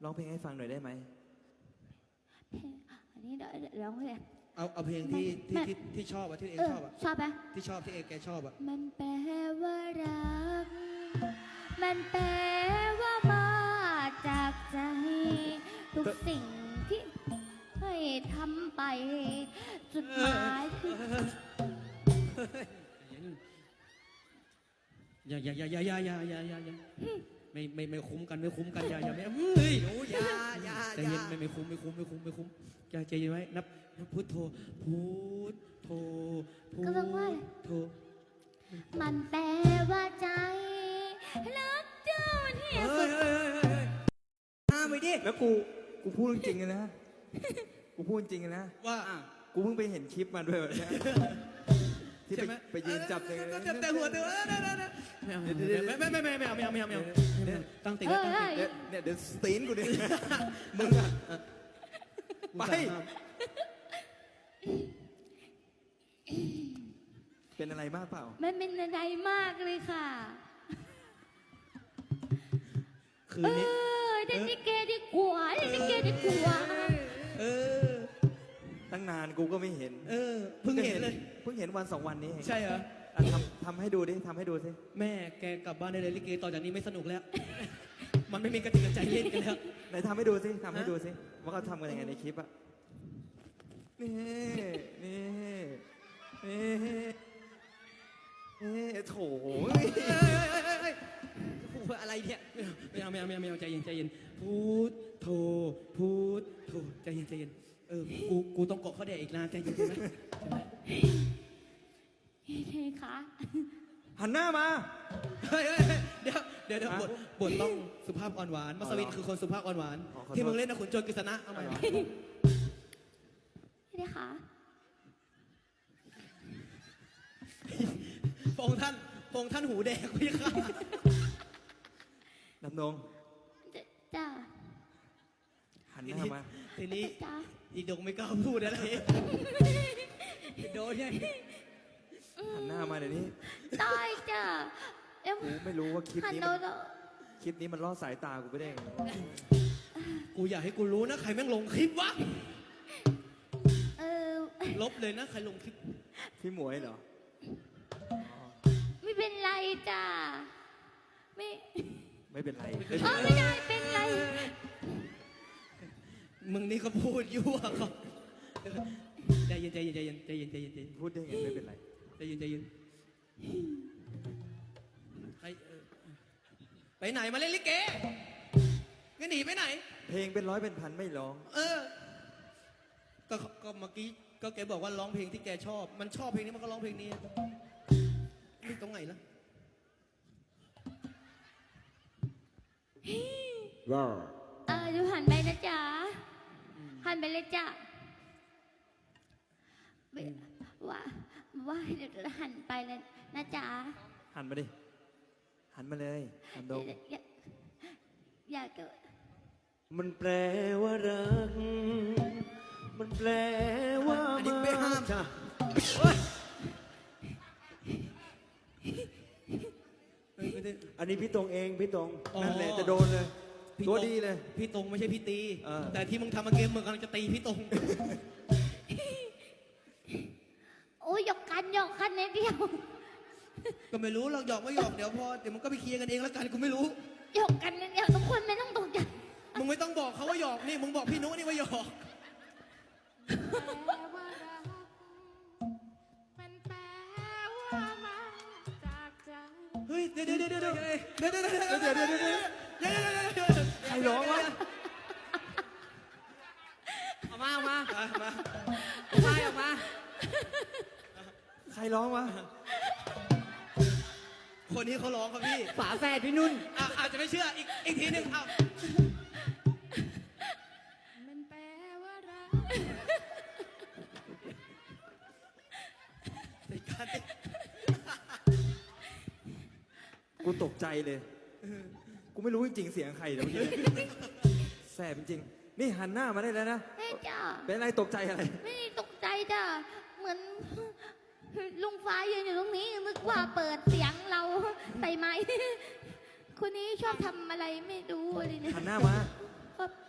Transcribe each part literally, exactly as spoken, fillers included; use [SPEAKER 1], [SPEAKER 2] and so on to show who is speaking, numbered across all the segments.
[SPEAKER 1] ร้องเพลงให้ฟังหน่อยได้ไหม
[SPEAKER 2] เพลงอันนี้เดี๋ยวเดี๋ยวร้องเลย
[SPEAKER 3] เอาเอาเพลงที่ที่ที่ที่ชอบอะที่เอง
[SPEAKER 2] เออ
[SPEAKER 3] ชอบอะ
[SPEAKER 2] ชอบปะ
[SPEAKER 3] ที่ชอบที่เองแกชอบอะ
[SPEAKER 2] มันแปลว่ารัก มันแปลว่ามาจากใจ ทุกสิ่งที่ให้ทำไปจุดหมายคือ
[SPEAKER 3] อย่าอย่าอย่าอย่าอย่าอย่าอย่าอย่าอย่าไม่ไม่ไม่คุ้มกันไม่คุ้มกันอย่าอย่าไม่เฮ้ย
[SPEAKER 1] หนูอย่าอย่า
[SPEAKER 3] ใจ
[SPEAKER 1] อ
[SPEAKER 3] เย็
[SPEAKER 1] ย่าน
[SPEAKER 3] ไม่ไม่คุ้มไม่คุ้มไม่คุ้มไม่คุ้มใจใจเย็นไว้นับนับพุทโธพุทโธพุท
[SPEAKER 2] ก็ต้องว่า
[SPEAKER 3] โธ
[SPEAKER 2] มันแปลว่าใจรักเจ้าที่
[SPEAKER 1] เฮ้
[SPEAKER 2] สุ
[SPEAKER 1] ย
[SPEAKER 2] ด
[SPEAKER 1] เฮ้ยเฮ้ยเฮ้ยห้ามไปดิ
[SPEAKER 4] แล้วกู กูพูดจริงๆเลยนะ กูพูดจริงๆเลยนะ
[SPEAKER 3] ว่า
[SPEAKER 4] กูเพิ่งไปเห็นคลิปมาด้วยวันเนี้ยที่
[SPEAKER 3] ใช่
[SPEAKER 4] ไป
[SPEAKER 3] ไหม
[SPEAKER 4] ไปยืนจับเลย
[SPEAKER 3] แต่แต่หัวเดือไม่ไม่ไม่ไม่ไม่ไม่ไม่ไม่ไม่ไม่ตั้งติไว้ตั้งติ
[SPEAKER 4] เดี๋ยวเนี่ยเดี๋ยวสตีนกูดิมึงอะไป เป็นอะไรมากเปล่า
[SPEAKER 2] มันเป็นอะไรมากเลยค่ะ
[SPEAKER 3] คืน
[SPEAKER 2] เอ
[SPEAKER 3] นี้
[SPEAKER 2] อเล่นลิเกดีกว่าเล่นลิเกดีกว่า
[SPEAKER 3] เออ
[SPEAKER 4] ตั้งนานกูก็ไม่เห็น
[SPEAKER 3] เออเพิ่งเห็นเลย
[SPEAKER 4] เพิ่งเห็นวันสองวันนี้เอง
[SPEAKER 3] ใช่เหรอ
[SPEAKER 4] อ่ะทำทำให้ดูดิทำให้ดูสิ
[SPEAKER 3] แม่แกกลับบ้านได้เลยลิเกต่อจากนี้ไม่สนุกแล้ว มันไม่มีกระติกกระใจเล่นกันแล้ว
[SPEAKER 4] ไหนทำให้ดูสิทำให้ดูสิว่าเขาทำกันยังไงในคลิปอะนี่นี่นี่นี่โถ
[SPEAKER 3] อะไรเนี่ยไม่เอาไม่เอาไม่เอาไม่เอาใจเย็นใจเย็นพูดโทพูดโทใจเย็นใจเย็นเออกูกูต้องเกาะเขาแดกอีกนานใจเย็นใช่ไหม
[SPEAKER 2] เฮ้ยคะ
[SPEAKER 4] หันหน้ามา
[SPEAKER 3] เฮ้ยเดี๋ยวเดี๋ยวเดี๋ยวบทบทต้องสุภาพอ่อนหวานมัสวินคือคนสุภาพอ่อนหวานที่มึงเล่นนะขุนโจรกฤษณะเอาใหม่
[SPEAKER 2] ไม่ได้ค่ะ
[SPEAKER 3] พระองค์ท่านพระองค์ท่านหูแดงพี่ค่ะ
[SPEAKER 4] ดำดง
[SPEAKER 2] จ้า
[SPEAKER 4] หัน
[SPEAKER 3] ที
[SPEAKER 4] หน้า
[SPEAKER 3] นี้
[SPEAKER 4] มา
[SPEAKER 3] ทีนี้
[SPEAKER 2] จ้า
[SPEAKER 3] อีดงไม่กล้าพูดอะไรโดนไง
[SPEAKER 4] หันหน้ามาเดี๋ยวนี้
[SPEAKER 2] ตายจ้าเอ็ม
[SPEAKER 4] กูไม่รู้ว่าคลิป
[SPEAKER 2] หัน
[SPEAKER 4] นี้
[SPEAKER 2] โด
[SPEAKER 4] มัน
[SPEAKER 2] น
[SPEAKER 4] คลิปนี้มันล่อสายตากูไปได้ไง
[SPEAKER 3] กูอยากให้กูรู้นะใครแม่งลงคลิปวะ
[SPEAKER 2] เออ
[SPEAKER 3] ลบเลยนะใครลงคลิป
[SPEAKER 4] พี่หมวยเหรอ
[SPEAKER 2] ไม่เป็นไรจ้าไม่
[SPEAKER 4] ไม่เป็นไร
[SPEAKER 2] เออไม่ได้เป็นไร
[SPEAKER 3] มึงนี่ก็พูดยั่วเขาใจเย็นใจเย็นใจเย็นใจเย็นใจเย็นใจเย็น
[SPEAKER 4] พูดได้ไงไม่เป็นไร
[SPEAKER 3] ใจเย็นใจเย็นไปเออไปไหนมาเล่นลิเกงั้นหนีไปไหน
[SPEAKER 4] เพลงเป็นร้อยเป็นพันไม่ร้อง
[SPEAKER 3] เออ ก็ก็เมื่อกี้ก็แกบอกว่าร้องเพลงที่แกชอบ มันชอบเพลงนี้มันก็ร้องเพลงนี้นี่ตรงไหนล่ะ
[SPEAKER 4] ว้า
[SPEAKER 2] เออดูหันไปนะจ๊ะหันไปเลยจ้ะว่าว่าเดี๋ยวหันไปเลยนะจ๊ะ
[SPEAKER 4] หันมาดิ หันมาเลยดำดง
[SPEAKER 2] อยากอยากจะ
[SPEAKER 5] มันแปลว่ารัก มันแปลว่า
[SPEAKER 3] อันนี้ไม่ห้าม
[SPEAKER 5] จ้ะ
[SPEAKER 3] เฮ้ยไม่ได้
[SPEAKER 5] อันนี้พี่ตรงเองพี่ตรง
[SPEAKER 3] อ๋อ
[SPEAKER 4] นั่นแหละจะโดนเลย
[SPEAKER 3] พี่
[SPEAKER 4] ตัว
[SPEAKER 3] ตรง
[SPEAKER 4] ดีเลย
[SPEAKER 3] พี่ตรงไม่ใช่พี่ตี
[SPEAKER 4] เออ
[SPEAKER 3] แต่ที่มึงทำมาเกมมึงกำลังจะตีพี่ตรง
[SPEAKER 2] โอ้ยหยอกกันหยอกกันนิดเดียว
[SPEAKER 3] ก็ไม่รู้เราหยอกไม่หยอกเดี๋ยวพอเดี๋ยวมึงก็ไปเคลียร์กันเองแล้วกันกูไม่รู้
[SPEAKER 2] หยอกกันนิดเดียวทุกคนไม่ต้องตกใจ
[SPEAKER 3] มึงไม่ต้องบอกเขาว่าหยอกนี่มึงบอกพี่นุนี่ว่าหยอก
[SPEAKER 6] มันแปลว่ามาจากใจ
[SPEAKER 3] เฮ้ยเดี๋ยวเดี๋ยวเดี๋ยวเดี๋ยวเดี๋ยวเดี๋ยวเดี๋ยวเดี๋ยวเดี๋ยวเดี๋ยวเดี๋ยวเดี๋ยวเดี๋ยวเดี๋ยว
[SPEAKER 4] ใครร้องวะ
[SPEAKER 1] เอามาเอามา
[SPEAKER 3] มามา
[SPEAKER 1] ใช่ออกมา
[SPEAKER 4] ใครร้องวะ
[SPEAKER 3] คนนี้เขาร้องครับพี่
[SPEAKER 1] ฝาแฝดพี่นุ่น
[SPEAKER 3] อ่ะอาจจะไม่เชื่ออีกอีกทีหนึ่งเอา
[SPEAKER 6] มันแปลว่ารัก
[SPEAKER 3] ในการที่
[SPEAKER 4] กูตกใจเลย กูไม่รู้จริงๆเสียงใครเดี๋ยวเมื่อกี้แสบจริงๆนี่หันหน้ามาได้แล้วนะ
[SPEAKER 2] เฮ้ยจ้า
[SPEAKER 4] เป็นอะไรตกใจอะไร
[SPEAKER 2] ไม่ได้ตกใจจ้าเหมือนลุงฟ้ายืนอยู่ตรงนี้นึกว่าเปิดเสียงเราใส่ไม้คนนี้ชอบทำอะไรไม่รู้อะไรเนี่ย
[SPEAKER 4] หันหน้ามา
[SPEAKER 2] ก็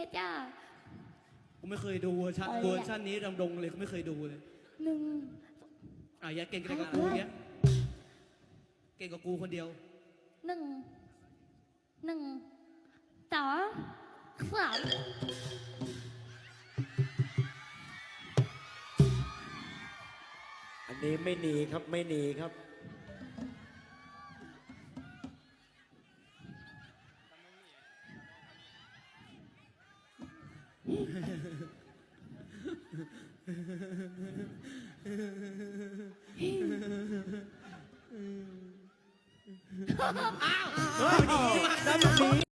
[SPEAKER 2] จ้า
[SPEAKER 3] กูไม่เคยดูเวอร์ชัน
[SPEAKER 2] อะไรอะ
[SPEAKER 3] เวอร์ชันนี้ดำดงเลยกูไม่เคยดูเลย
[SPEAKER 2] หนึ่ง
[SPEAKER 3] อ่ะอย่าเก่งกับกูเนี้ยเก่งกับกูคนเดียว
[SPEAKER 2] หนึ่งหนึ่งสองสาม
[SPEAKER 5] อันนี้ไม่หนีครับไม่หนีครับ
[SPEAKER 3] อ้าว
[SPEAKER 5] เฮ้ยแล้วมันหนี